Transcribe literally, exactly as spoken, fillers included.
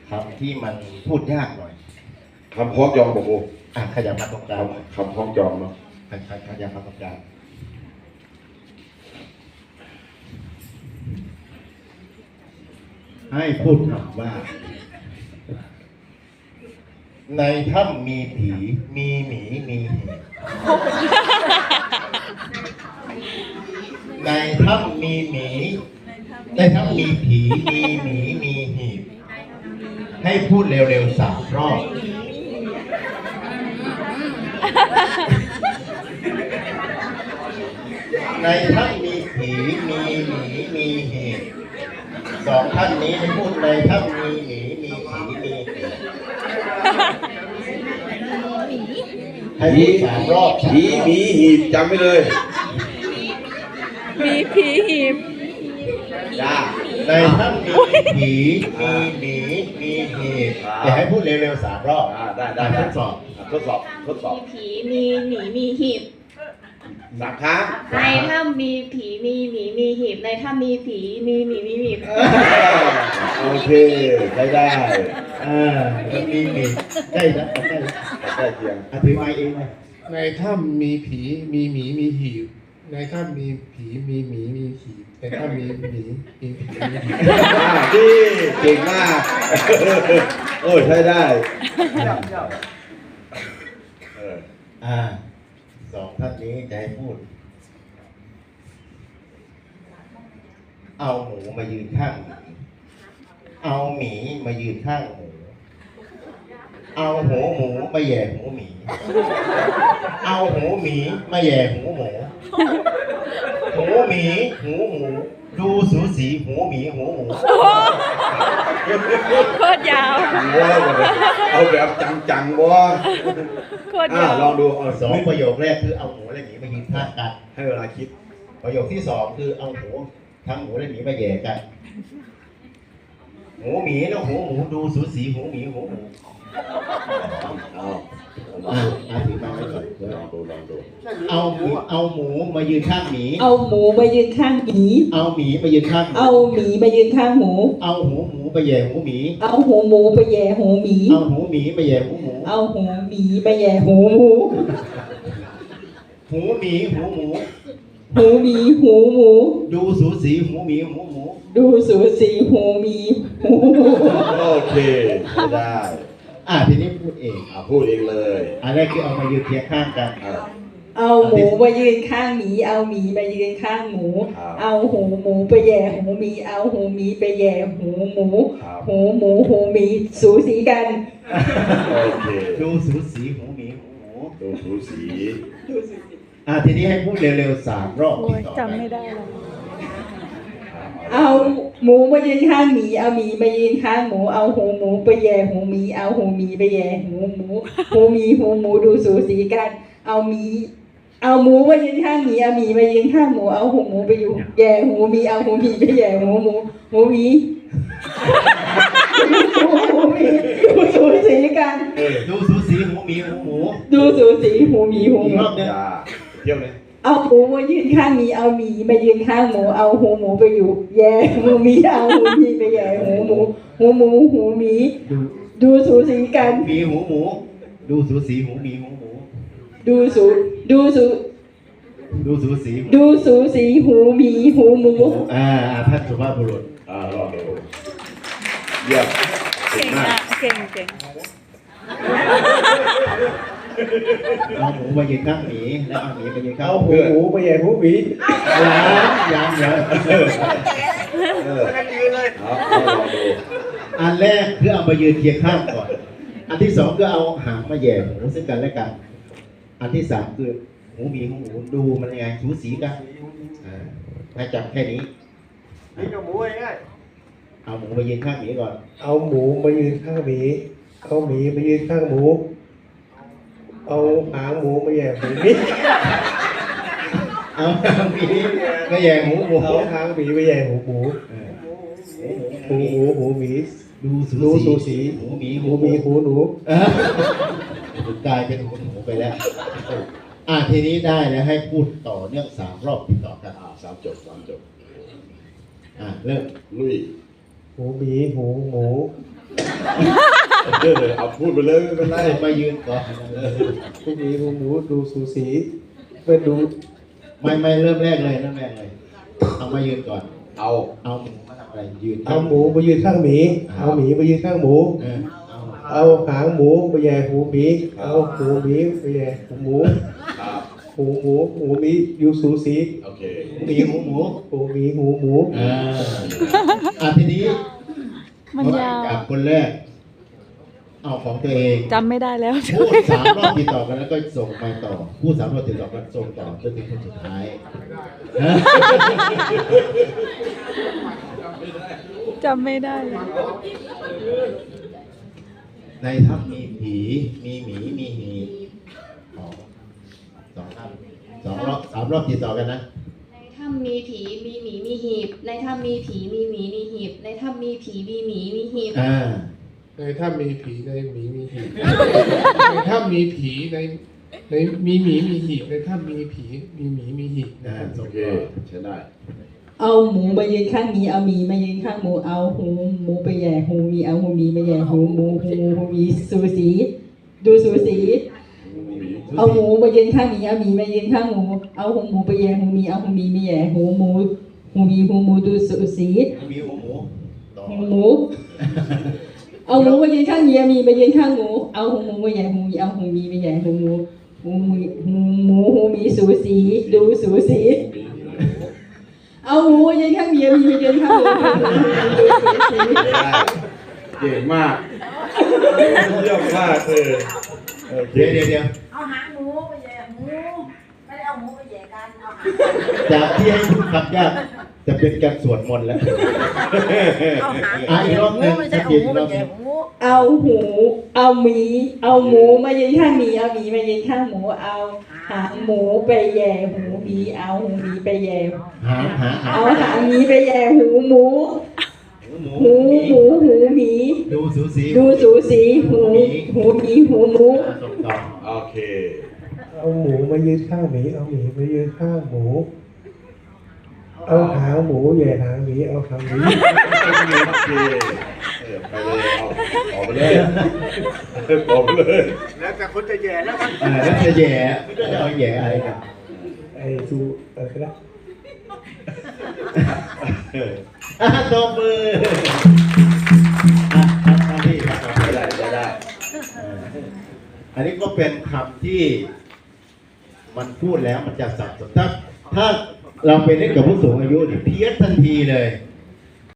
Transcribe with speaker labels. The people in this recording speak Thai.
Speaker 1: คำที่มันพูดยากหน่อย
Speaker 2: คำพ้องจองบอกโอ้
Speaker 1: อ่ะขยับมาตรงกลาง
Speaker 2: คำพ้องจองเนาะ
Speaker 1: ขยับมาตรงกลางให้พูดคำว่าในถ้ำมีผีมีหมีมีหีบในถ้ำมีหมีในถ้ำมีผีมีหมีมีหีบให้พูดเร็วๆสามรอบในถ้ำมีผีมีหมีมีหีบสองท่านนี้ให้พูดในถ้ำมีหมีมีผีมีหีบให้พูดสามรอบ
Speaker 2: ผีหมีหีบจำไว้เลย
Speaker 3: มีผีหีบ
Speaker 2: จ้า
Speaker 1: ในถ้ำมีผีมีหมีมีหีบแต่ให้พูดเร็วๆสามรอบ
Speaker 2: ได้ได้ทดสอบทดสอบทดสอบ
Speaker 4: มีผีมีหมีมีหีบ
Speaker 2: สามครั้ง
Speaker 4: ในถ้ำมีผีมีหมีมีหีบในถ้ำมีผีมีหมีมีหีบ
Speaker 2: โอเคได้ได้
Speaker 1: อ่ามีหมีได้แล้วได้แล้ว
Speaker 2: ได้เพียง
Speaker 1: อธิบายเองเลย
Speaker 5: ในถ้ำมีผีมีหมีมีหีบในถ้ำมีผีมีหมีมีหีบในถ้ำมีหมีมีผีมีหีบ
Speaker 2: ดีเก่งมากโอ้ยใช้ได้
Speaker 1: อ่าสองท่านนี้จะให้พูดเอาหมูมายืนข้างหมีเอาหมีมายืนข้างหมูเอาหูหมูมาแย่หูหมีเอาหูหมีมาแย่หูหมูหูหมีหูหมูดูสูสีหูหมีหูหมู
Speaker 3: โคตรยาว
Speaker 2: เอาแบบจังๆวะ
Speaker 3: โคตรยาว
Speaker 2: ลองดูเอา
Speaker 1: สองประโยคแรกคือเอาหมูและหมีมายืนข้างกัน
Speaker 2: ให้เวลาคิด
Speaker 1: ประโยคที่สองคือเอาหมูทั้งหมูและหมีมาแย่กันหูหมีแล้วหูหมูดูสูสีหูหมีหูหมู
Speaker 2: เอา
Speaker 1: เอาถือมาไว้ก่อน
Speaker 2: ลองดูลองดู
Speaker 1: เอาหมูเอาหมูมายืนข้างหมี
Speaker 6: เอาหมูมายืนข้างหมี
Speaker 1: เอาหมีมายืนข้าง
Speaker 6: เอาหมีมายืนข้างหมู
Speaker 1: เอาหูหมูไปแย่หูหมี
Speaker 6: เอาหูหมูไปแย่หูหมี
Speaker 1: เอาหูหมีไปแย่หูหมู
Speaker 6: เอาหูหมีไปแย่หูหมู
Speaker 1: หูหมีหูหมู
Speaker 6: หูหมีหูหมู
Speaker 1: ดูสูสีหูหมีหูหมู
Speaker 6: ดูสูสีหูหมีหู
Speaker 2: โอเคได้
Speaker 1: อ่ะทีนี้พูดเอง
Speaker 2: อ่ะพูดเองเลย
Speaker 1: อันแรกคือเอามายืนเคียงข้างกัน
Speaker 6: เอาหมูมายืนข้างหมีเอาหมีมายืนข้างหมูเอาหูหมูไปแย่หูหมีเอาหูหมีไปแย่หูหมูหูหมูหูหมีสูสีกัน
Speaker 1: โอเคดูสูสีหูหมีหูหมู
Speaker 2: ดูสูสี
Speaker 1: อ่ะทีนี้ให้พูดเร็วๆสามรอบ
Speaker 3: จำไม่ได้หรอก
Speaker 6: เอาหมูมายืนข้างหมีเอาหมีมายืนข้างหมูเอาหูหมูไปแย่หูหมีเอาหูหมีไปแย่หูหมูหูหมีหูหมูดูสูสีกันเอาหมีเอาหมูมายืนข้างหมีเอาหมีมายืนข้างหมูเอาหูหมูไปอยู่แย่หูหมีเอาหูหมีไปแย่หูหมูหูหมีหูหมีดูสูสีกัน
Speaker 1: ดูสูสีหูหมีหูหมู
Speaker 6: ดูสูสีหูหมีหูหมู
Speaker 1: รอบเนี้ย
Speaker 2: เที่ยวเลย
Speaker 6: เอาหมูมายืนข้างหมีเอาหมีมายืนข้างหมูเอาหูหมูไปอยู่แย่หูหมีเอาหูหมีไปแย่หูหมูหูหมูหูหมีดูสูสีกัน
Speaker 1: หมีหูหมูดูสูสีหูหมีหูหมู
Speaker 6: ดูสูดูสู
Speaker 1: ดูสูสี
Speaker 6: ดูสูสีหูหมีหูหมู
Speaker 1: อ่าท่านสุภาพบุรุษ
Speaker 2: อ่าลองดูเยี่ยม
Speaker 3: เก่งมากเก่งเก่ง
Speaker 1: เอาหมูมายืนข้างหมีแล้วเอาหมีมายืนข้าง
Speaker 5: เอาหูหมูมาแย่หูหมี
Speaker 1: ยังยังยัง
Speaker 2: เออเอาลองดู
Speaker 1: อันแรกคือเอามายืนเคียงข้างก่อนอันที่สองคือเอาหางมาแย่หมูซึ่งกันและกันอันที่สามคือหมูหมีหูหมูดูมันยังไงสูสีกันให้จำแค่นี้
Speaker 5: นี่กับหมูง่าย
Speaker 1: เอาหมูมายืนข้างหมีก่อน
Speaker 5: เอาหมูมายืนข้างหมีเอาหมีมายืนข้างหมูเอาหางหมูมาแย่หูหมี
Speaker 1: เอาหางหมีมาแย่หูหมู
Speaker 5: เอาหางหมีมาแย่หูหมูหูหมูหูหมี
Speaker 1: ดู
Speaker 5: สูสี
Speaker 1: หูหมี
Speaker 5: หูหมีหูหนู
Speaker 1: กลายเป็นคนหูไปแล้วอ่ะทีนี้ได้แล้วให้พูดต่อเนื่องสามรอบติดต่อกัน
Speaker 2: สามจบสามจบ
Speaker 1: อ่ะเริ่ม
Speaker 2: ลุย
Speaker 5: หูหมีหูหมู
Speaker 1: ห
Speaker 2: เออเอาพูดไปเลยไม่เป็นไร
Speaker 1: ให้มายืนก่อน
Speaker 5: หูหมีหูหมูดูสูสีเพื่อดู
Speaker 1: ไม่ไม่เริ่มแรกเลยเริ่มแรกเลยเอามายืนก่อน
Speaker 2: เอา
Speaker 1: เอาหมูมาทำอะไรยืน
Speaker 5: เอาหมูมายืนข้างหมีเอาหมีมายืนข้างหมู
Speaker 1: เออเอา
Speaker 5: เอาหางหมูไปแย่หูหมีเอาหูหมีไปแย่หูหมู
Speaker 2: ครับ
Speaker 5: หูหมูหูหมีอยู่สูสี
Speaker 2: โอเค
Speaker 1: หมีหมูหมู
Speaker 5: หูหมีหูหมู
Speaker 1: เอออ่ะทีนี้
Speaker 3: มันยาว
Speaker 1: จากคนแรก เอาของตัวเอง
Speaker 3: จำไม่ได้แล้ว
Speaker 1: พูดสามรอบติดต่อกันแล้วก็ส่งไปต่อพูดสามรอบติดต่อกันส่งต่อจนถึงคนสุดท้ายนะ
Speaker 3: จำไม่ได้เลย
Speaker 1: ในถ้ำมีผีมีหมีมีหีบสองสองถ้ำสองรอบสามรอบติดต่อกันนะ
Speaker 4: ในถ้ำมีผีมีหมีมีหีบ ในถ้ำมีผีมีหมีมีหีบ ในถ้ำมีผีมีหมีมีหีบ
Speaker 1: อ่า
Speaker 5: ในถ้ามีผีในหมีมีหีบในถ้ามีผีในในมีหมีมีหีบในถ้ามีผีมีหมีมีหีบ
Speaker 1: อ่า
Speaker 2: โอเคใช้ได้
Speaker 6: เอาหมูมายืนข้างหมีเอาหมีมายืนข้างหมูเอาหูหมูไปแย่หูหมีเอาหูหมีไปแย่หูหมูหูหูหมีสูสีดูสูสี
Speaker 2: หมี
Speaker 6: เอาหมูมายืนข้างหมีเอาหมีมายืนข้างหมูเอาหูหมูไปแย่หูหมีเอาหูหมีไปแย่หูหมูหูหมีหูหมูดูสูสี
Speaker 1: มีหัวหมูต่อ
Speaker 6: หูหมูเอาหมูมายืนข้างหมีเอาหมีมายืนข้างหมูเอาหูหมูมาแย่หูหมีเอาหูหมีไปแย่หูหมูหูหมูหูหมูหูหมีสูสีดูสูสี เอาหมูมายืนข้างหมีเอาหมีมายืนข้างหมูดูสูสี
Speaker 2: ได้เก่งมากเยี่ยมมากเออโอเค
Speaker 1: เดี๋ยวเดี๋ยวเดี๋ยว
Speaker 7: เอาหางหมูไปแย่หมูไม่ได้เอาหมูไปแย่กันเอาหาง
Speaker 1: จากที่ให้พูดคำยากจะเป็นการสวดมนต์แล้ว
Speaker 7: เอาหาง
Speaker 1: อ่ะอีกรอบหนึ่ง
Speaker 7: ไม่ใช่เอาหมูไปแย่หมู
Speaker 6: เอาหูเอาหมีเอาหมูมายืนข้างหมีเอาหมีมายืนข้างหมูเอาหางหมูไปแย่หูหมีเอาหูหมีไปแย่
Speaker 1: หาหาหา
Speaker 6: เอาหางหมีไปแย่หูหมู
Speaker 1: หมู
Speaker 6: หูหมูหูหมี
Speaker 1: ดูสูสี
Speaker 6: ดูสูสีหูหูหมีหูหมู
Speaker 1: อ่ะส่งต่อ
Speaker 2: โอเค
Speaker 5: เอาหมูมายืนข้างหมีเอาหมีมายืนข้างหมูเอาหางหมูแย่หางหมีเอาหางหมี
Speaker 2: โอเคเออไปเลยเอาออกไปเลยออกไปเลย
Speaker 1: เออแล้วจะแย่จะเอาแย่อะไรกัน
Speaker 5: ไอ้ซูอะไรก็ได้
Speaker 1: เอออ่ะตบมืออ่ะทำหน้าที่ครับ
Speaker 2: ใช้ได้ใช้ได้
Speaker 1: เอออันนี้ก็เป็นคำที่มันพูดแล้วมันจะสับสนถ้าถ้าเราไปเล่นกับผู้สูงอายุนี่เพี้ยนทันทีเลย